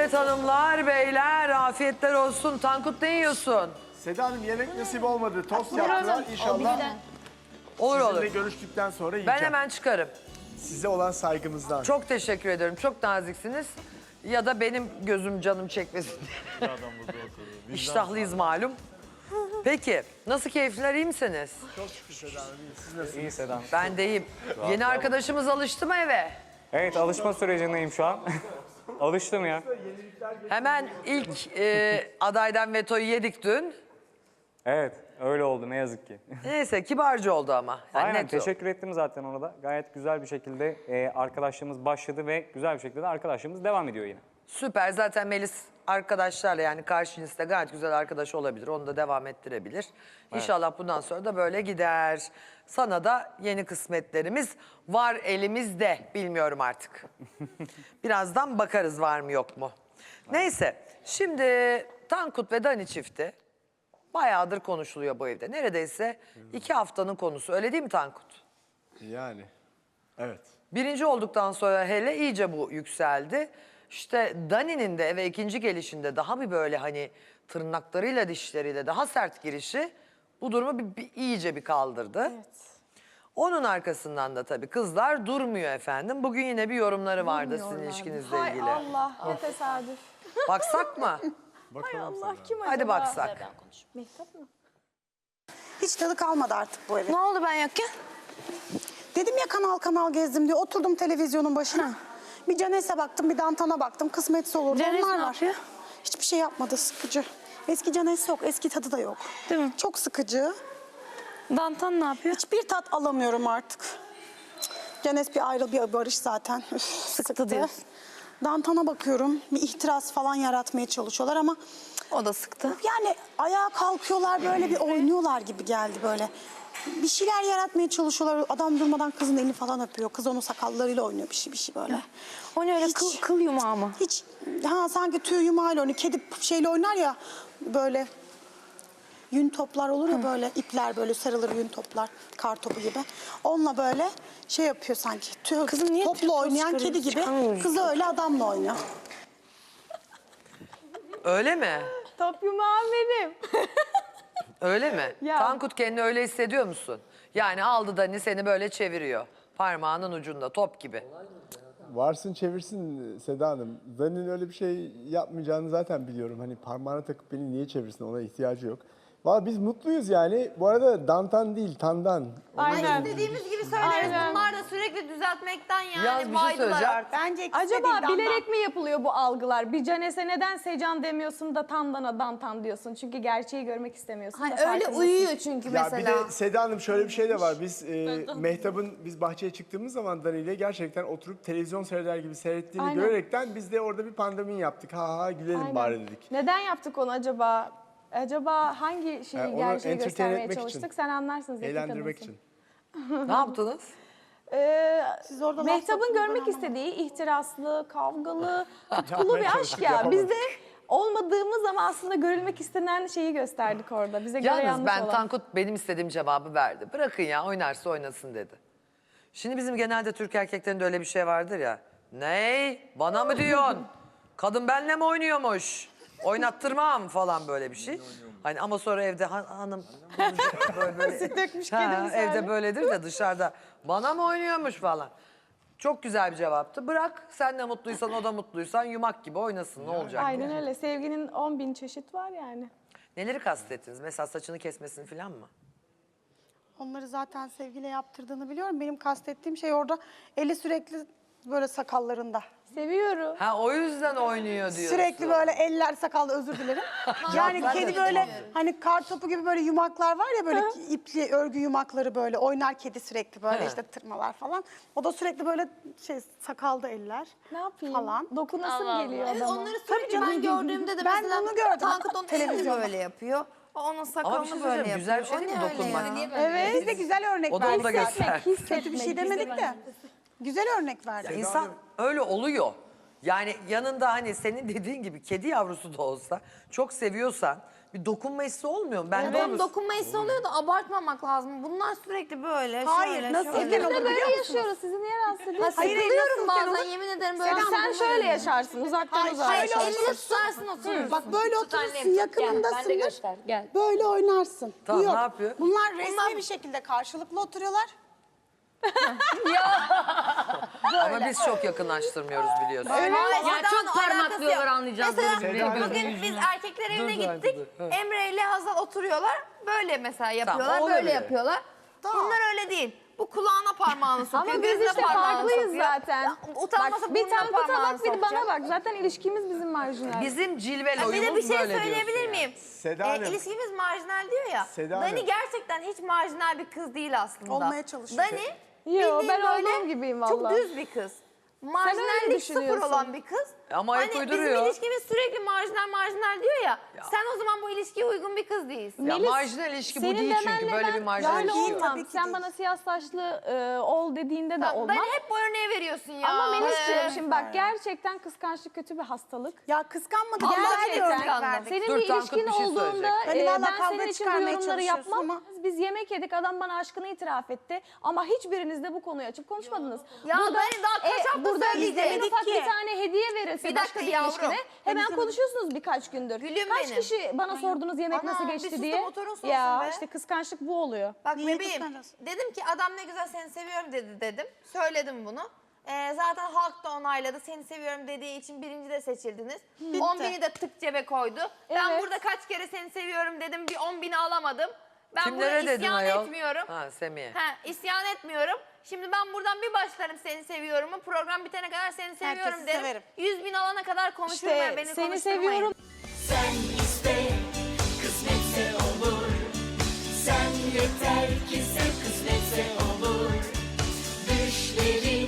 Evet hanımlar, beyler afiyetler olsun. Tankut ne yiyorsun? Seda Hanım yemek nasip olmadı. Tost yaptılar. İnşallah Olur sizinle olur. görüştükten sonra Ben yiyeceğim. hemen çıkarım. Size olan saygımızdan. Çok teşekkür ederim. Çok naziksiniz. Ya da benim gözüm canım çekmesin diye. İştahlıyız malum. Peki, nasıl keyifler, iyi misiniz? Çok şükür Seda Hanım. Siz nasılsınız? İyi Sedam. Ben de iyiyim. Yeni arkadaşımız alıştı mı eve? Evet, alışma sürecindeyim şu an. Alıştım ya. Hemen ilk adaydan vetoyu yedik dün. Evet, öyle oldu ne yazık ki. Neyse kibarca oldu ama. Yani Aynen, net o. teşekkür ettim zaten ona da. Gayet güzel bir şekilde arkadaşlığımız başladı ve güzel bir şekilde de arkadaşlığımız devam ediyor yine. Süper. Zaten Melis arkadaşlarla yani karşı cinsle gayet güzel arkadaş olabilir. Onu da devam ettirebilir. İnşallah bundan sonra da böyle gider. Sana da yeni kısmetlerimiz var elimizde. Bilmiyorum artık. Birazdan bakarız var mı yok mu. Neyse. Şimdi Tankut ve Dani çifti bayağıdır konuşuluyor bu evde. Neredeyse 2 haftanın konusu. Öyle değil mi Tankut? Yani. Evet. Birinci olduktan sonra hele iyice bu yükseldi. İşte Dani'nin de eve ikinci gelişinde daha bir böyle hani tırnaklarıyla dişleriyle daha sert girişi bu durumu iyice bir kaldırdı. Evet. Onun arkasından da tabii kızlar durmuyor efendim. Bugün yine bir yorumları vardı sizin ilişkinizle Hay ilgili. Allah, ne tesadüf. Baksak mı? Bakalım Allah, Seda. kim acaba? Hadi baksak. Mehtap mı? Hiç tadı kalmadı artık bu evin. Ne oldu ben yokken? Dedim ya kanal kanal gezdim diye oturdum televizyonun başına. Bir Canes'e baktım, bir Dantan'a baktım. Kısmetse olur. Canes Onlar ne var. yapıyor? Hiçbir şey yapmadı, sıkıcı. Eski Canes yok, eski tadı da yok. Değil mi? Çok sıkıcı. Dantan ne yapıyor? Hiçbir tat alamıyorum artık. Canes bir ayrıl bir barış zaten. Üf, sıktı. diyorsun. Dantan'a bakıyorum. Bir ihtiras falan yaratmaya çalışıyorlar ama O da sıktı. yani ayağa kalkıyorlar böyle bir oynuyorlar gibi geldi böyle. Bir şeyler yaratmaya çalışıyorlar. Adam durmadan kızın elini falan öpüyor. Kız onun sakallarıyla oynuyor bir şey böyle. O ne öyle Hiç- kıl yumağı mı? Hiç sanki tüy yumağıyla oynuyor. Kedi şeyle oynar ya böyle yün toplar olur ya böyle ipler böyle sarılır yün toplar kar topu gibi. Onunla böyle şey yapıyor sanki. Kızım niye tüy topla topu oynayan kedi çıkarıyorsun? gibi. Çıkarmıyoruz. Kız öyle adamla oynuyor. Öyle mi? Top yumağı benim. Öyle mi? Ya. Tankut kendini öyle hissediyor musun? Yani aldı Dani seni böyle çeviriyor. Parmağının ucunda top gibi. Varsın çevirsin Seda Hanım. Dani'nin öyle bir şey yapmayacağını zaten biliyorum. Hani parmağına takıp beni niye çevirsin, ona ihtiyacı yok. Valla biz mutluyuz yani. Bu arada Dantan değil, Tandan. Aynen. İstediğimiz gibi söyleriz. Aynen. Bunlar da sürekli düzeltmekten Yalnız yani bir şey baydılar söyleyeceğim. artık. Bence ikisi de Acaba değil, Dandan. bilerek mi yapılıyor bu algılar? Bir Canes'e neden Secan demiyorsun da Tandan'a Dantan diyorsun? Çünkü gerçeği görmek istemiyorsun da Öyle farkındasın. uyuyor çünkü Ya mesela. bir de Seda Hanım şöyle bir şey de var. Biz biz bahçeye çıktığımız zaman Dani ile gerçekten oturup televizyon seyreder gibi seyrettiğini Aynen. görerekten biz de orada bir pandemin yaptık. Ha ha gülelim Aynen. bari dedik. Neden yaptık onu acaba? Acaba hangi şeyi onu gerçeği entertain göstermeye etmek çalıştık? için. Sen anlarsın Zeki Eğlendirmek kadınsın. için. Ne yaptınız? Siz orada laf Mehtap'ın soktunuz, ben görmek anlamadım. istediği ihtiraslı, kavgalı, tutkulu Yapmaya bir aşk çalıştık, ya. yapamadık. Biz de olmadığımız ama aslında görülmek istenen şeyi gösterdik orada. Bize göre Yalnız yanlış ben olan. Tankut benim istediğim cevabı verdi. Bırakın ya oynarsa oynasın dedi. Şimdi bizim genelde Türk erkeklerinde öyle bir şey vardır ya. Ney? Bana mı diyorsun? Kadın benimle mi oynuyormuş? Oynattırmam falan böyle bir şey. Hani ama sonra evde hanım böyle dökmüş Ha, kedi misali. evde böyledir de dışarıda bana mı oynuyormuş falan. Çok güzel bir cevaptı. Bırak sen de mutluysan o da mutluysan yumak gibi oynasın ne olacak? Aynen öyle. Sevginin 10.000 çeşit var yani. Neleri kastettiniz? Mesela saçını kesmesini falan mı? Onları zaten sevgiyle yaptırdığını biliyorum. Benim kastettiğim şey orada eli sürekli böyle sakallarında. Seviyorum. Ha o yüzden oynuyor diyorsun. Sürekli böyle eller sakallı özür dilerim. Yani ben kedi de böyle hani kar topu gibi böyle yumaklar var ya böyle ipli örgü yumakları böyle oynar kedi sürekli böyle Ha. işte tırmalar falan. O da sürekli böyle şey sakalda eller Ne yapayım? falan. Dokunasım geliyor Evet, adama. onları sürekli ben gördüğümde de Ben mesela bunu gördüm Tankut onun elini televizyonda. böyle yapıyor. O onun Ama bir sakalını şey böyle söyleyeceğim, güzel bir şey yapıyor. değil mi O ne öyle dokunmak? ya? Evet. Biz de güzel örnek O da onu da verdik. göster. Kötü bir şey demedik de. Güzel örnek verdik. İnsan öyle oluyor. Yani yanında hani senin dediğin gibi kedi yavrusu da olsa çok seviyorsan bir dokunma hissi olmuyor mu? Ben de Onun dokunma hissi oluyor da abartmamak lazım. Bunlar sürekli böyle Hayır, şöyle nasıl şöyle. eken olur Biz de biliyor böyle musunuz? yaşıyoruz. Sizi niye rahatsız ediyor? Hayır, Sıkılıyorum nasılken bazen olur? yemin ederim ederim böyle. Selam. Sen şöyle yaşarsın, uzaktan Hayır, uzağa şöyle yaşarsın. Elini tutarsın oturursun. Bak böyle Tut annem, oturursun, tut. yakınındasındır. göster, gel. Böyle oynarsın. Tamam, Yok. ne yapıyor? Bunlar resmi bir şekilde karşılıklı oturuyorlar. Ama biz çok yakınlaştırmıyoruz biliyorsun. Hayır, Yani çok Seda'nın parmaklıyorlar, alakası yok. anlayacağız Mesela böyle. bugün biz erkekler evine Dur, gittik. dur. Emre ile Hazal oturuyorlar. Böyle mesela yapıyorlar, olabilir. böyle yapıyorlar. Bunlar öyle değil. Bu kulağına parmağını sokuyor, Ama biz gözüne işte parmağını farklıyız sokuyor. zaten. Ya, utanmasa Bak, bir burnuna Tankut'a parmağını bak, bir bana sokacak. bak. Zaten ilişkimiz bizim marjinal. Bizim cilveli Bir de oyunumuz bir şey böyle söyleyebilir diyorsun miyim? Seda Hanım. İlişkimiz marjinal diyor ya. Seda Dani Hanım. gerçekten hiç marjinal bir kız değil aslında. Olmaya çalışıyor. Dani Yo, bildiğin ben böyle olduğum gibiyim çok valla. düz bir kız. öyle Marjinallik sıfır düşünüyorsun. olan bir kız. Ama ayak Hani uyduruyor. bizim ilişkimiz sürekli marjinal diyor ya. Sen o zaman bu ilişkiye uygun bir kız değilsin. Ya Melis, marjinal ilişki bu senin değil çünkü. demenle Böyle ben bir marjinal böyle ilişki yok. olmam. Tabii ki Sen değil. bana siyah saçlı ol dediğinde de Tamam, olmam. Dani hep bu örneği veriyorsun ya. Ama Melis'ciğim Ee, şimdi bak gerçekten kıskançlık kötü bir hastalık. Ya kıskanmadı. Allah Gerçekten. aşkına kıskandım. Senin Dur, bir Tankut ilişkin bir şey olduğunda söyleyecek. Hani valla ben kavga senin için bu çıkarmaya yorumları çalışıyorsun yapmam. ama- Biz yemek yedik, adam bana aşkını itiraf etti. Ama hiçbiriniz de bu konuyu açıp konuşmadınız. Ya Dani daha kaç hafta burada söyleyecek? en ufak ki. bir tane hediye verilse Bir başka dakika bir yavrum. ilişkine hemen konuşuyorsunuz birkaç gündür. Gülüm Kaç benim. kişi bana sordunuz yemek Ana, nasıl bir geçti sus da diye. motorun soğusun Ya be. işte kıskançlık bu oluyor. Bak Niye bebeğim kıskanıyorsun? dedim ki adam ne güzel seni seviyorum dedim. Söyledim bunu. Zaten halk da onayladı. Seni seviyorum dediği için birinci de seçildiniz. 10.000'i de tık cebe koydu. Ben Evet. burada kaç kere seni seviyorum dedim. Bir 10.000'i alamadım. Ben Kimlere burada dedin isyan ayol? etmiyorum. Ha Semih'e. İsyan etmiyorum. Şimdi ben buradan bir başlarım seni seviyorumu. Program bitene kadar seni seviyorum Herkesi derim. severim. 100.000 alana kadar konuşurum İşte ben. Beni seni konuşturmayın. seviyorum. Sen iste, kısmetse olur. Sen yeter ki sev, kısmetse olur. Düşlerin